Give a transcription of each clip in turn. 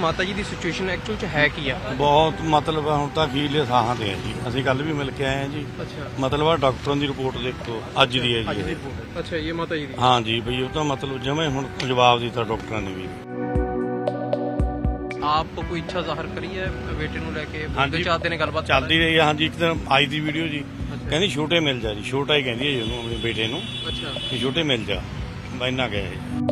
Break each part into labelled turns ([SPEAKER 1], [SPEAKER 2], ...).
[SPEAKER 1] ਮਾਤਾ ਜੀ ਦੀ situation actual ਚ ਹੈ ਕੀ ਆ?
[SPEAKER 2] ਬਹੁਤ ਮਤਲਬ ਹੁਣ ਤਾਂ ਅਖੀਰਲੇ ਸਾਹਾਂ ਤੇ ਹੈ ਜੀ। ਅਸੀਂ ਕੱਲ ਵੀ ਮਿਲ ਕੇ ਆਏ ਹਾਂ ਜੀ।
[SPEAKER 1] ਅੱਛਾ,
[SPEAKER 2] ਮਤਲਬ ਆ ਡਾਕਟਰਾਂ ਦੀ ਰਿਪੋਰਟ ਦੇਖੋ ਅੱਜ ਦੀ ਹੈ
[SPEAKER 1] ਅੱਜ
[SPEAKER 2] ਜੀ
[SPEAKER 1] ਦੀ
[SPEAKER 2] ਇਹ।
[SPEAKER 1] ਰਿਪੋਰਟ। ਅੱਛਾ, ਇਹ ਮਾਤਾ ਜੀ ਦੀ।
[SPEAKER 2] ਹਾਂ ਜੀ ਬਈ ਉਹ ਤਾਂ ਮਤਲਬ ਜਿਵੇਂ ਹੁਣ ਜਵਾਬ ਦਿੱਤਾ ਡਾਕਟਰਾਂ ਨੇ ਵੀ।
[SPEAKER 1] ਆਪ ਕੋਈ ਇੱਛਾ ਜ਼ਾਹਰ ਕਰੀ ਹੈ ਬੇਟੇ ਨੂੰ ਲੈ ਕੇ?
[SPEAKER 2] ਹਾਂਜੀ।
[SPEAKER 1] ਚਾਹਤੇ ਨੇ ਗੱਲਬਾਤ
[SPEAKER 2] ਚੱਲਦੀ ਰਹੀ ਹੈ। ਹਾਂਜੀ ਇੱਕ ਦਿਨ ਆਈ ਦੀ ਵੀਡੀਓ ਜੀ, ਕਹਿੰਦੀ ਛੋਟੇ ਮਿਲ ਜਾ ਜੀ। ਛੋਟਾ ਹੀ ਕਹਿੰਦੀ ਹੈ ਜੀ ਉਹਨੂੰ, ਆਪਣੇ ਬੇਟੇ ਨੂੰ,
[SPEAKER 1] ਅੱਛਾ,
[SPEAKER 2] ਕਿ ਛੋਟੇ ਮਿਲ ਜਾ। ਮੈਂ ਇੰਨਾ ਗਿਆ ਜੀ।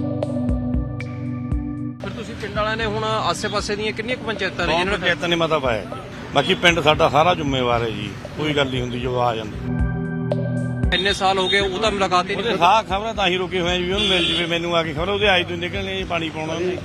[SPEAKER 1] ਫਿਰ ਤੁਸੀਂ ਪਿੰਡ ਵਾਲਿਆਂ ਨੇ ਹੁਣ ਆਸੇ-ਪਾਸੇ ਦੀਆਂ ਕਿੰਨੀਆਂ ਕੁ ਪੰਚਾਇਤਾਂ ਨੇ
[SPEAKER 2] ਬਹੁਤ
[SPEAKER 1] ਜਿਹਨਾਂ ਨੇ
[SPEAKER 2] ਪੰਚਾਇਤਾਂ ਨੇ ਮਤਾ ਪਾਇਆ ਜੀ। ਬਾਕੀ ਪਿੰਡ ਸਾਡਾ ਸਾਰਾ ਜ਼ਿੰਮੇਵਾਰ ਹੈ ਜੀ। ਕੋਈ ਗੱਲ ਨਹੀਂ ਹੁੰਦੀ ਜੋ ਆ ਜਾਂਦੇ।
[SPEAKER 1] ਇੰਨੇ ਸਾਲ ਹੋ ਗਏ ਉਹਦਾ ਮੁਲਾਕਾਤ ਹੀ
[SPEAKER 2] ਉਹਦੇ
[SPEAKER 1] ਨਹੀਂ।
[SPEAKER 2] ਸਾਹ ਖਬਰਾਂ ਤਾਂ ਹੀ ਰੁਕੇ ਹੋਏ ਆ ਜੀ, ਉਹਨੂੰ ਮਿਲ ਜਵੇ। ਮੈਨੂੰ ਆ ਕੇ ਖਬਰ ਉਹਦੇ ਆਈ ਤੋਂ ਨਿਕਲਣੇ ਜੀ, ਪਾਣੀ ਪਾਉਣਾ ਉਹਨੇ।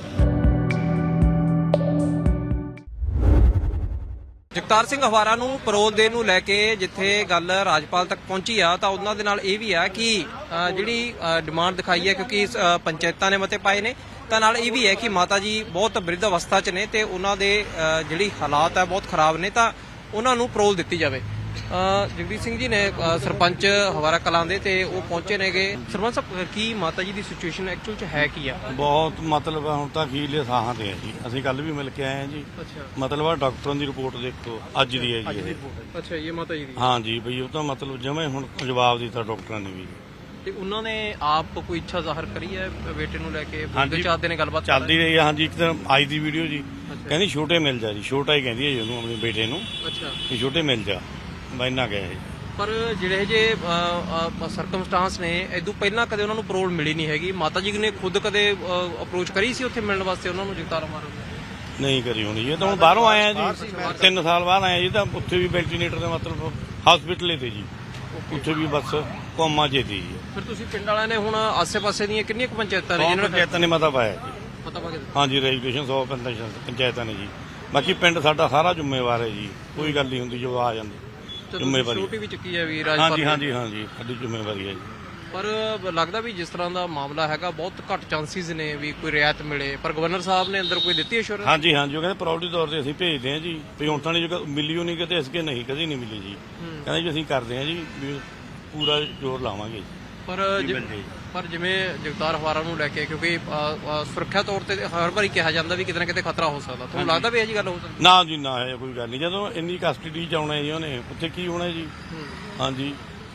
[SPEAKER 1] ਜਗਤਾਰ ਸਿੰਘ ਹਵਾਰਾ ਨੂੰ ਪਰੋਲ ਦੇਣ ਨੂੰ ਲੈ ਕੇ ਜਿੱਥੇ ਗੱਲ ਰਾਜਪਾਲ ਤੱਕ ਪਹੁੰਚੀ ਆ ਤਾਂ ਉਹਨਾਂ ਦੇ ਨਾਲ ਇਹ ਵੀ ਆ ਕਿ ਜਿਹੜੀ ਡਿਮਾਂਡ ਦਿਖਾਈ ਹੈ, ਕਿਉਂਕਿ ਪੰਚਾਇਤਾਂ ਨੇ ਮਤੇ ਪਾਏ ਨੇ, ਤਾਂ ਨਾਲ ਇਹ ਵੀ ਹੈ ਕਿ ਮਾਤਾ ਜੀ ਬਹੁਤ ਬਿਰਧ ਅਵਸਥਾ 'ਚ ਨੇ ਤੇ ਉਹਨਾਂ ਦੇ ਜਿਹੜੀ ਹਾਲਾਤ ਹੈ ਬਹੁਤ ਖਰਾਬ ਨੇ, ਤਾਂ ਉਹਨਾਂ ਨੂੰ ਪਰੋਲ ਦਿੱਤੀ ਜਾਵੇ। ਜਗਦੀਪ ਸਿੰਘ ਜੀ ਨੇ ਸਰਪੰਚ ਹਵਾਰਾ ਕਲਾਂ ਦੇ ਤੇ ਉਹ ਪਹੁੰਚੇ ਨੇਗੇ। ਸਰਪੰਚ ਸਾਹਿਬ, ਕੀ ਮਾਤਾ ਜੀ ਦੀ ਸਿਚੁਏਸ਼ਨ ਐਕਚੁਅਲ ਚ ਹੈ ਕੀ ਆ?
[SPEAKER 2] ਬਹੁਤ ਮਤਲਬ ਹੁਣ ਤਾਂ ਅਖੀਰਲੇ ਸਾਹਾਂ ਤੇ ਹੈ ਜੀ। ਅਸੀਂ ਕੱਲ ਵੀ ਮਿਲ ਕੇ ਆਏ ਹਾਂ ਜੀ।
[SPEAKER 1] ਅੱਛਾ,
[SPEAKER 2] ਮਤਲਬ ਆ ਡਾਕਟਰਾਂ ਦੀ ਰਿਪੋਰਟ ਦੇਖੋ ਅੱਜ ਦੀ ਹੈ ਜੀ ਇਹ।
[SPEAKER 1] ਅੱਛਾ, ਇਹ ਮਾਤਾ ਜੀ ਦੀ।
[SPEAKER 2] ਹਾਂ ਜੀ ਬਈ ਉਹ ਤਾਂ ਮਤਲਬ ਜਿਵੇਂ ਹੁਣ ਜਵਾਬ ਦਿੱਤਾ ਡਾਕਟਰਾਂ ਨੇ ਵੀ।
[SPEAKER 1] ਤੇ ਉਹਨਾਂ ਨੇ ਆਪ ਕੋਈ ਇੱਛਾ ਜ਼ਾਹਰ ਕਰੀ ਹੈ ਬੇਟੇ ਨੂੰ ਲੈ ਕੇ?
[SPEAKER 2] ਹਾਂਜੀ।
[SPEAKER 1] ਚਾਹਤੇ ਨੇ ਗੱਲਬਾਤ
[SPEAKER 2] ਚੱਲਦੀ ਰਹੀ ਹੈ। ਹਾਂਜੀ ਇੱਕ ਦਿਨ ਆਈ ਦੀ ਵੀਡੀਓ ਜੀ, ਕਹਿੰਦੀ ਛੋਟੇ ਮਿਲ ਜਾ ਜੀ। ਛੋਟਾ ਹੀ ਕਹਿੰਦੀ ਹੈ ਜੀ ਉਹਨੂੰ, ਆਪਣੇ ਬੇਟੇ ਨੂੰ,
[SPEAKER 1] ਅੱਛਾ,
[SPEAKER 2] ਕਿ ਛੋਟੇ ਮਿਲ ਜਾ। ਮੈਂ ਇੰਨਾ ਗਿਆ ਜੀ।
[SPEAKER 1] ਪਰ ਜਿਹੜੇ ਜੇ ਸਰਕਮਸਟਾਂਸ ਨੇ, ਇਦੋਂ ਪਹਿਲਾਂ ਕਦੇ ਉਹਨਾਂ ਨੂੰ ਪਰੋਲ ਮਿਲੀ ਨਹੀਂ ਹੈਗੀ। ਮਾਤਾ ਜੀ ਨੇ ਖੁਦ ਕਦੇ ਅਪਰੋਚ ਕਰੀ ਸੀ ਉੱਥੇ ਮਿਲਣ ਵਾਸਤੇ ਉਹਨਾਂ ਨੂੰ? ਜਗਤਾਰ ਮਾਰੋ
[SPEAKER 2] ਨਹੀਂ ਕਰੀ ਹੋਣੀ ਜੀ। ਇਹ ਤਾਂ ਹੁਣ ਬਾਹਰੋਂ ਆਇਆ ਜੀ, 3 ਸਾਲ ਬਾਅਦ ਆਇਆ ਜੀ। ਤਾਂ ਉੱਥੇ ਵੀ ਵੈਂਟੀਲੇਟਰ ਦਾ ਮਤਲਬ ਹਸਪੀਟਲ ਤੇ ਜੀ, ਉੱਥੇ ਵੀ ਬਸ ਕੋਮਾ ਜੇ ਦੀ ਜੀ।
[SPEAKER 1] ਫਿਰ ਤੁਸੀਂ ਪਿੰਡ ਵਾਲਿਆਂ ਨੇ ਹੁਣ ਆਸੇ-ਪਾਸੇ ਦੀਆਂ ਕਿੰਨੀਆਂ ਕੁ ਪੰਚਾਇਤਾਂ ਨੇ
[SPEAKER 2] ਬਹੁਤ
[SPEAKER 1] ਜਿਹਨਾਂ ਨੇ
[SPEAKER 2] ਪੰਚਾਇਤਾਂ ਨੇ ਮਤਾ ਪਾਇਆ ਜੀ।
[SPEAKER 1] ਪਤਾ ਪਾ ਕੇ?
[SPEAKER 2] ਹਾਂਜੀ ਰੈਜੂਲੇਸ਼ਨ 100 ਪੰਚਾਇਤਾਂ ਨੇ ਜੀ। ਬਾਕੀ ਪਿੰਡ ਸਾਡਾ ਸਾਰਾ ਜ਼ਿੰਮੇਵਾਰ ਹੈ ਜੀ। ਕੋਈ ਗੱਲ ਨਹੀਂ ਹੁੰਦੀ ਜੋ ਆ ਜਾਂਦੇ। ਜ਼ਿੰਮੇਵਾਰੀ
[SPEAKER 1] ਛੋਟੀ ਵੀ ਚੱਕੀ ਹੈ ਵੀ
[SPEAKER 2] ਹਾਂਜੀ ਹਾਂਜੀ ਹਾਂਜੀ ਸਾਡੀ ਜ਼ਿੰਮੇਵਾਰੀ ਹੈ ਜੀ।
[SPEAKER 1] ਪਰ ਲੱਗਦਾ ਵੀ ਜਿਸ ਤਰ੍ਹਾਂ ਦਾ ਮਾਮਲਾ ਹੈਗਾ ਬਹੁਤ ਘੱਟ ਚਾਂਸਿਸ ਨੇ ਵੀ ਕੋਈ ਰਿਆਇਤ ਮਿਲੇ, ਪਰ ਗਵਰਨਰ ਸਾਹਿਬ ਨੇ ਅੰਦਰ ਕੋਈ ਦਿੱਤੀ ਅਸ਼ੋਰੈਂਸ?
[SPEAKER 2] ਹਾਂਜੀ ਹਾਂਜੀ ਉਹ ਕਹਿੰਦੇ ਪ੍ਰਾਇੋਰਟੀ ਤੌਰ ਤੇ ਅਸੀਂ ਭੇਜਦੇ ਹਾਂ ਜੀ। ਵੀ ਹੁਣ ਤਾਂ ਨਹੀਂ ਜੋ ਮਿਲੀ ਉਹ ਨਹੀਂ ਕਿਤੇ ਅਸੀਂ ਨਹੀਂ ਕਦੀ ਨਹੀਂ ਮਿਲੀ ਜੀ। ਕਹਿੰਦੇ ਜੀ ਅਸੀਂ ਕਰਦੇ ਹਾਂ ਜੀ, ਵੀ ਪੂਰਾ ਜ਼ੋਰ ਲਾਵਾਂਗੇ ਜੀ।
[SPEAKER 1] ਪਰ ਜਿਵੇਂ ਜਗਤਾਰ ਹਵਾਰਾ ਨੂੰ ਲੈ ਕੇ, ਕਿਉਂਕਿ ਸੁਰੱਖਿਆ ਤੌਰ ਤੇ ਹਰ ਵਾਰੀ ਕਿਹਾ ਜਾਂਦਾ ਵੀ ਕਿਤੇ ਨਾ ਕਿਤੇ ਖਤਰਾ ਹੋ ਸਕਦਾ, ਤੁਹਾਨੂੰ ਲੱਗਦਾ ਵੀ ਇਹ ਜੀ ਗੱਲ ਹੋ ਸਕਦੀ?
[SPEAKER 2] ਨਾ ਜੀ ਨਾ, ਇਹ ਕੋਈ ਗੱਲ ਨਹੀਂ। ਜਦੋਂ ਇੰਨੀ ਕਸਟਡੀ ਚ ਆਉਣਾ ਜੀ ਉਹਨੇ, ਉੱਥੇ ਕੀ ਹੋਣਾ ਜੀ? ਹਾਂਜੀ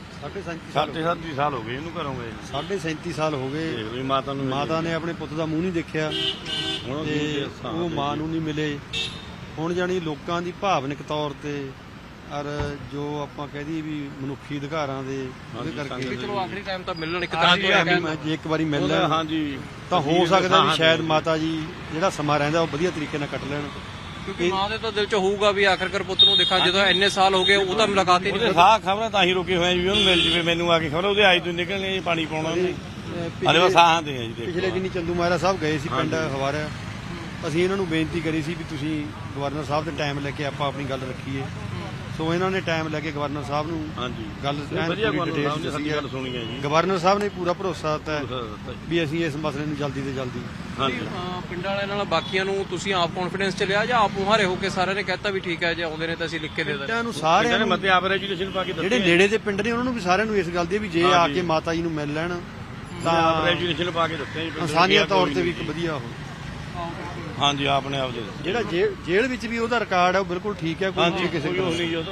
[SPEAKER 2] 37 ਸਾਲ ਹੋ ਗਏ ਇਹਨੂੰ ਘਰੋਂ ਗਏ।
[SPEAKER 3] 37 ਸਾਲ ਹੋ ਗਏ।
[SPEAKER 2] ਦੇਖ ਲਓ ਮਾਤਾ ਨੂੰ,
[SPEAKER 3] ਮਾਤਾ ਨੇ ਆਪਣੇ ਪੁੱਤ ਦਾ ਮੂੰਹ ਨਹੀਂ ਦੇਖਿਆ ਤੇ ਉਹ ਮਾਂ ਨੂੰ ਨਹੀਂ ਮਿਲੇ। ਹੁਣ ਜਾਣੀ ਲੋਕਾਂ ਦੀ ਭਾਵਨਿਕ ਤੌਰ ਤੇ ਔਰ ਜੋ ਆਪਾਂ ਕਹਿ ਦਈਏ ਵੀ ਮਨੁੱਖੀ ਅਧਿਕਾਰਾਂ ਦੇ ਉਹਦੇ ਕਰਕੇ
[SPEAKER 1] ਚਲੋ ਆਖਰੀ ਟਾਈਮ ਤਾਂ ਮਿਲਣ ਇੱਕ ਤਰ੍ਹਾਂ ਦੀ
[SPEAKER 3] ਜੇ ਇੱਕ ਵਾਰੀ ਮਿਲ ਲੈਣ
[SPEAKER 2] ਹਾਂਜੀ
[SPEAKER 3] ਤਾਂ ਹੋ ਸਕਦਾ ਵੀ ਸ਼ਾਇਦ ਮਾਤਾ ਜੀ ਜਿਹੜਾ ਸਮਾਂ ਰਹਿੰਦਾ ਉਹ ਵਧੀਆ ਤਰੀਕੇ ਨਾਲ ਕੱਟ ਲੈਣ।
[SPEAKER 1] ਕਿਉਂਕਿ ਮਾਂ ਦੇ ਤਾਂ ਦਿਲ 'ਚ ਹੋਊਗਾ ਵੀ ਆਖਰਕਾਰ ਪੁੱਤ ਨੂੰ ਦੇਖਾਂ, ਜਦੋਂ ਇੰਨੇ ਸਾਲ ਹੋ ਗਏ ਉਹ ਤਾਂ ਮੁਲਾਕਾਤ ਹੀ ਨਹੀਂ।
[SPEAKER 2] ਉਹਦੇ ਸਾਹ ਖਬਰਾਂ ਤਾਂ ਹੀ ਰੁਕੇ ਹੋਏ ਆ ਜੀ, ਉਹਨੂੰ ਮਿਲ ਜਵੇ। ਮੈਨੂੰ ਆ ਕੇ ਖਬਰ ਉਹਦੇ ਆਈ ਤੋਂ ਨਿਕਲਣੇ ਜੀ, ਪਾਣੀ ਪਾਉਣਾ ਉਹਨੇ। ਅਰੇ ਬਸ ਸਾਹਾਂ ਤੇ ਹੈ ਜੀ।
[SPEAKER 3] ਪਿਛਲੇ ਦਿਨੀ ਚੰਦੂ ਮਹਾਰਾਜ ਸਾਹਿਬ ਗਏ ਸੀ ਪਿੰਡ ਹਵਾਰਾ। ਅਸੀਂ ਇਹਨਾਂ ਨੂੰ ਬੇਨਤੀ ਕਰੀ ਸੀ ਵੀ ਤੁਸੀਂ ਗਵਰਨਰ ਸਾਹਿਬ ਦੇ ਟਾਈਮ ਲੈ ਕੇ ਆਪਾਂ ਆਪਣੀ ਗੱਲ ਰੱਖੀਏ। ਸੋ ਇਹਨਾਂ ਨੇ ਟਾਈਮ ਲੈ ਕੇ ਗਵਰਨਰ ਸਾਹਿਬ ਨੂੰ
[SPEAKER 2] ਹਾਂਜੀ
[SPEAKER 3] ਗੱਲ
[SPEAKER 2] ਗੱਲ ਸੁਣੀ ਹੈ ਜੀ।
[SPEAKER 3] ਗਵਰਨਰ ਸਾਹਿਬ ਨੇ ਪੂਰਾ ਭਰੋਸਾ ਦਿੱਤਾ ਵੀ ਅਸੀਂ ਇਸ ਮਸਲੇ ਨੂੰ ਜਲਦੀ ਤੋਂ ਜਲਦੀ।
[SPEAKER 1] ਪਿੰਡਾਂ ਵਾਲਿਆਂ ਨਾਲ ਬਾਕੀਆਂ ਨੂੰ ਤੁਸੀਂ ਆਪ ਕੌਨਫੀਡੈਂਸ ਚ ਲਿਆ ਜਾਂ ਆਪ ਮੁਹਾਰੇ ਹੋ ਕੇ ਸਾਰਿਆਂ ਨੇ ਕਹਿਤਾ ਵੀ ਠੀਕ ਹੈ ਜੇ ਆਉਂਦੇ ਨੇ ਤਾਂ ਅਸੀਂ ਲਿਖ ਕੇ ਦੇ ਦਾਂਗੇ?
[SPEAKER 3] ਪਿੰਡਾਂ ਨੂੰ ਸਾਰਿਆਂ ਨੂੰ
[SPEAKER 2] ਮਤੇ ਆਪ ਰੈਜੂਲੇਸ਼ਨ ਪਾ ਕੇ
[SPEAKER 3] ਜਿਹੜੇ ਨੇੜੇ ਦੇ ਪਿੰਡ ਨੇ ਉਹਨਾਂ ਨੂੰ ਵੀ ਸਾਰਿਆਂ ਨੂੰ ਇਸ ਗੱਲ ਦੀ ਵੀ ਜੇ ਆ ਕੇ ਮਾਤਾ ਜੀ ਨੂੰ ਮਿਲ ਲੈਣ
[SPEAKER 2] ਤਾਂ ਆਪ ਰੈਜੂਲੇਸ਼ਨ ਪਾ ਕੇ ਦਿੱਤੇ ਜੀ।
[SPEAKER 3] ਇਨਸਾਨੀਅਤ ਤੌਰ ਤੇ ਵੀ ਇੱਕ ਵਧੀਆ ਹੋ।
[SPEAKER 2] ਹਾਂਜੀ ਆਪਣੇ ਆਪ ਦੇ
[SPEAKER 3] ਜਿਹੜਾ ਜੇਲ੍ਹ ਵਿੱਚ ਵੀ ਉਹਦਾ ਰਿਕਾਰਡ ਹੈ ਉਹ ਬਿਲਕੁਲ ਠੀਕ ਹੈ। ਕੋਈ ਕਿਸੇ
[SPEAKER 2] ਨਹੀਂ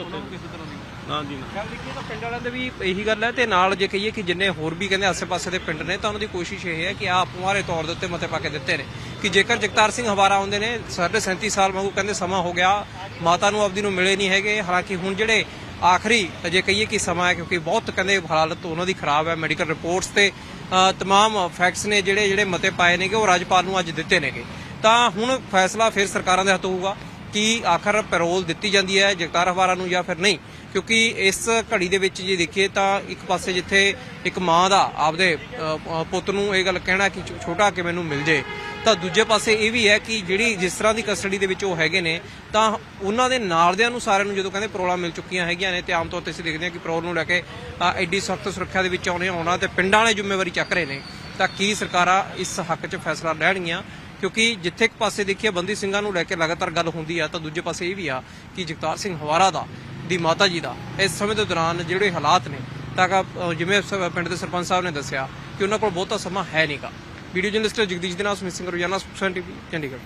[SPEAKER 2] ਹਾਂਜੀ
[SPEAKER 1] ਗੱਲ ਦੇਖੀਏ ਤਾਂ ਪਿੰਡ ਵਾਲਿਆਂ ਦੇ ਵੀ ਇਹੀ ਗੱਲ ਹੈ। ਤੇ ਨਾਲ ਜੇ ਕਹੀਏ ਕਿ ਜਿੰਨੇ ਹੋਰ ਵੀ ਕਹਿੰਦੇ ਆਸੇ-ਪਾਸੇ ਦੇ ਪਿੰਡ ਨੇ, ਤਾਂ ਉਹਨਾਂ ਦੀ ਕੋਸ਼ਿਸ਼ ਇਹ ਹੈ ਕਿ ਆਪ ਮੁਹਾਰੇ ਤੌਰ ਦੇ ਉੱਤੇ ਮਤੇ ਪਾ ਕੇ ਦਿੱਤੇ ਨੇ ਕਿ ਜੇਕਰ ਜਗਤਾਰ ਸਿੰਘ ਹਵਾਰਾ ਆਉਂਦੇ ਨੇ, 37 ਸਾਲ ਵਾਂਗੂ ਕਹਿੰਦੇ ਸਮਾਂ ਹੋ ਗਿਆ, ਮਾਤਾ ਨੂੰ ਆਪਦੀ ਨੂੰ ਮਿਲੇ ਨਹੀਂ ਹੈਗੇ। ਹਾਲਾਂਕਿ ਹੁਣ ਜਿਹੜੇ ਆਖਰੀ ਜੇ ਕਹੀਏ ਕਿ ਸਮਾਂ ਹੈ, ਕਿਉਂਕਿ ਬਹੁਤ ਕਹਿੰਦੇ ਹਾਲਤ ਉਹਨਾਂ ਦੀ ਖਰਾਬ ਹੈ। ਮੈਡੀਕਲ ਰਿਪੋਰਟਸ ਤੇ ਤਮਾਮ ਫੈਕਟਸ ਨੇ ਜਿਹੜੇ ਮਤੇ ਪਾਏ ਨੇਗੇ ਉਹ ਰਾਜਪਾਲ ਨੂੰ ਅੱਜ ਦਿੱਤੇ ਨੇਗੇ। ਤਾਂ ਹੁਣ ਫੈਸਲਾ ਫਿਰ ਸਰਕਾਰਾਂ ਦੇ ਹੱਥ ਹੋਊਗਾ ਕਿ ਆਖਰ ਪੈਰੋਲ ਦਿੱਤੀ ਜਾਂਦੀ ਹੈ ਜਗਤਾਰ ਹਵਾਰਾ ਨੂੰ ਜਾਂ ਫਿਰ ਨਹੀਂ। ਕਿਉਂਕਿ ਇਸ ਘੜੀ ਦੇ ਵਿੱਚ ਜੇ ਦੇਖੀਏ ਤਾਂ ਇੱਕ ਪਾਸੇ ਜਿੱਥੇ ਇੱਕ ਮਾਂ ਦਾ ਆਪਦੇ ਪੁੱਤ ਨੂੰ ਇਹ ਗੱਲ ਕਹਿਣਾ ਕਿ ਛੋਟਾ ਕਿ ਮੈਨੂੰ ਮਿਲ ਜੇ, ਤਾਂ ਦੂਜੇ ਪਾਸੇ ਇਹ ਵੀ ਹੈ ਕਿ ਜਿਹੜੀ ਜਿਸ ਤਰ੍ਹਾਂ ਦੀ ਕਸਟਡੀ ਦੇ ਵਿੱਚ ਉਹ ਹੈਗੇ ਨੇ, ਤਾਂ ਉਹਨਾਂ ਦੇ ਨਾਲਦਿਆਂ ਨੂੰ ਸਾਰਿਆਂ ਨੂੰ ਜਦੋਂ ਕਹਿੰਦੇ ਪਰੋਲਾਂ ਮਿਲ ਚੁੱਕੀਆਂ ਹੈਗੀਆਂ ਨੇ, ਤੇ ਆਮ ਤੌਰ ਤੇ ਅਸੀਂ ਦੇਖਦੇ ਹਾਂ ਕਿ ਪਰੋਲ ਨੂੰ ਲੈ ਕੇ ਐਡੀ ਸਖਤ ਸੁਰੱਖਿਆ ਦੇ ਵਿੱਚ ਆਉਣਾ ਤੇ ਪਿੰਡਾਂ ਵਾਲੇ ਜ਼ਿੰਮੇਵਾਰੀ ਚੱਕ ਰਹੇ ਨੇ, ਤਾਂ ਕੀ ਸਰਕਾਰਾਂ ਇਸ ਹੱਕ 'ਚ ਫੈਸਲਾ ਲੈਣਗੀਆਂ? ਕਿਉਂਕਿ ਜਿੱਥੇ ਇੱਕ ਪਾਸੇ ਦੇਖੀਏ ਬੰਦੀ ਸਿੰਘਾਂ ਨੂੰ ਲੈ ਕੇ ਲਗਾਤਾਰ ਗੱਲ ਹੁੰਦੀ ਆ, ਤਾਂ ਦੂਜੇ ਪਾਸੇ ਇਹ ਵੀ ਆ ਕਿ ਜਗਤਾਰ ਸਿੰਘ ਹਵਾਰਾ ਦੀ ਮਾਤਾ ਜੀ ਦਾ ਇਸ ਸਮੇਂ ਦੇ ਦੌਰਾਨ ਜਿਹੜੇ ਹਾਲਾਤ ਨੇ, ਤਾਂ ਜਿਵੇਂ ਪਿੰਡ ਦੇ ਸਰਪੰਚ ਸਾਹਿਬ ਨੇ ਦੱਸਿਆ ਕਿ ਉਹਨਾਂ ਕੋਲ ਬਹੁਤਾ ਸਮਾਂ ਹੈ ਨਹੀਂਗਾ। ਵੀਡੀਓ ਜਰਨਲਿਸਟ ਜਗਦੀਸ਼ ਦੇ ਨਾਲ ਸੁਮਿਤ ਸਿੰਘ ਰੋਜ਼ਾਨਾ ਸੁਖਸਾਨ ਟੀਵੀ ਚੰਡੀਗੜ੍ਹ।